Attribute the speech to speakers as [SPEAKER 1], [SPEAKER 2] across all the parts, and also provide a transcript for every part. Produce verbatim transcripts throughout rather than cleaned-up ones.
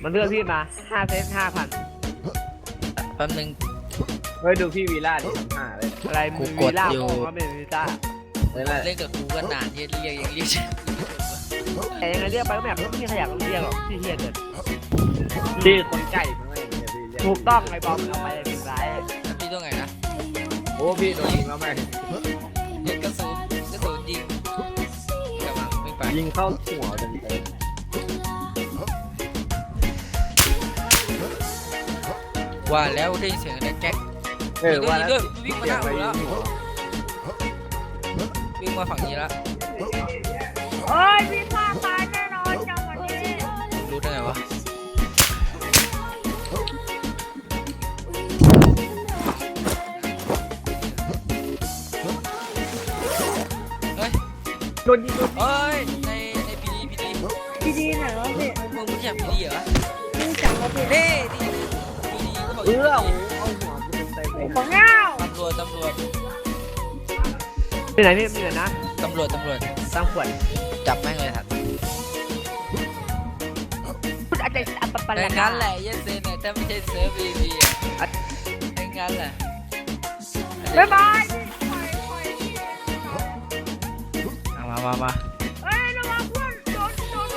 [SPEAKER 1] มันเลือกพี่มาห้าเซตห้าพัน
[SPEAKER 2] แป๊บนึง
[SPEAKER 3] เฮ้ยดูพี่วีล่าดิห้าเลย
[SPEAKER 1] อะไร
[SPEAKER 2] กู
[SPEAKER 1] มือก
[SPEAKER 2] ด
[SPEAKER 1] วีล่า
[SPEAKER 2] อยู่
[SPEAKER 1] โมก็เป็นวีซ่า
[SPEAKER 3] เลยแหละ
[SPEAKER 2] เล่นกับกูก็นานที่เรียกยังเรียก
[SPEAKER 1] แต่ยังไงเรียกไปก็แบบไม่มีใครอยากเรียกหรอกที่เฮียเกิน
[SPEAKER 3] ชื่อคนไก่มันอะไรอย่างเงี้ยพี่เรีย
[SPEAKER 1] ถูกต้องไอ้บอมเอาไปเลยเป็นไร
[SPEAKER 2] พี่ต้องไงนะ
[SPEAKER 3] โอ้พี่โดนยิงแล้วไหม
[SPEAKER 2] ยิงกระสุนกระสุนยิงกำลังวิ่งไป
[SPEAKER 3] ยิงเข้าหัวเต็ม
[SPEAKER 2] ว่าแล้วได้ยินเสียงอะไรแก๊ก
[SPEAKER 3] ๆเออว่าแล้ว
[SPEAKER 2] วิ่งมา
[SPEAKER 3] เสี
[SPEAKER 2] ห
[SPEAKER 3] ย
[SPEAKER 2] น้าง
[SPEAKER 3] ไป
[SPEAKER 2] กู
[SPEAKER 3] ยิ
[SPEAKER 2] แล้ว
[SPEAKER 3] งหัว
[SPEAKER 2] วิ่งมาฝั่งนี้แล้ว
[SPEAKER 4] โอ้ยพี่ฆ่าตายแน่นอนจังหวะนี้
[SPEAKER 2] รู้ได้ไงวะเฮ้ย
[SPEAKER 3] โดนยิงโดน
[SPEAKER 2] เฮ้ยในในพีดีพีดี
[SPEAKER 4] พี่ดีไหนวะพี่
[SPEAKER 2] มึงไม่ใช่พีดีเหรอ
[SPEAKER 4] รู้จักวะพี่
[SPEAKER 2] เน่ดีพีดีเขาบอก
[SPEAKER 3] เออโอ้เอาหัวกูเต็มๆเลย
[SPEAKER 4] บังเง่า
[SPEAKER 2] ตำรวจตำรวจ
[SPEAKER 1] ที่ไหนพี่มีเหรอนะ
[SPEAKER 2] ตำรวจตำรวจ
[SPEAKER 1] ตั้งขวด
[SPEAKER 2] จับแม่งเลยครับ
[SPEAKER 1] พูดอาจจะอัปปะ
[SPEAKER 2] ใน
[SPEAKER 1] ละ
[SPEAKER 2] งั้นแหละเยสเซนเนี่ยถ้าไม่ใช่เซิร์ฟบีบีอ่ะในงั้นแหละ
[SPEAKER 4] บ๊ายบายปล่อยปล่อยพี่
[SPEAKER 2] เอามามามา
[SPEAKER 4] เฮ้ยระวังเพื่อนโดนโดน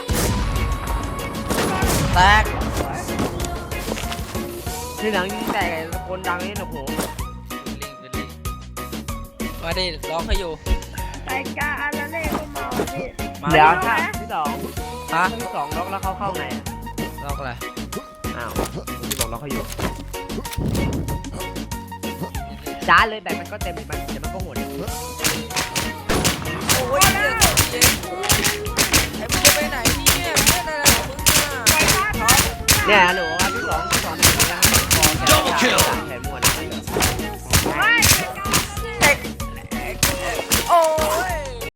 [SPEAKER 2] แตก
[SPEAKER 1] ที่หนังยิงแตกไอ้ตะโกนดังนี่โอ้โห
[SPEAKER 2] ลิงลิงมาดิร้องเขาอยู่
[SPEAKER 4] ไก่กาอาราเล่ก็เมาพี่
[SPEAKER 2] มา
[SPEAKER 1] เดี๋ยว
[SPEAKER 4] เอา
[SPEAKER 1] ถ้า
[SPEAKER 4] ไหม
[SPEAKER 1] ที่สอง
[SPEAKER 2] ฮะ
[SPEAKER 1] ที่สองล็อกแล้วเขาเข้าไงอะ
[SPEAKER 2] ล็อกอะไร
[SPEAKER 1] อ้าวที่บอกล็อกเขาอยู่จ้าเลยแบบมันก็เต็มมันเดี๋ยวมันก็หมด
[SPEAKER 2] โอ้ยเรื่องเจ๊ไอ้มึงจะไปไหนเนี่ยเล่นอะไรของมึงอ่ะ
[SPEAKER 4] ไก่กาทอง
[SPEAKER 1] เนี่ยหนูครับที่สองที่สองที่สองนะครับพอแค่แถม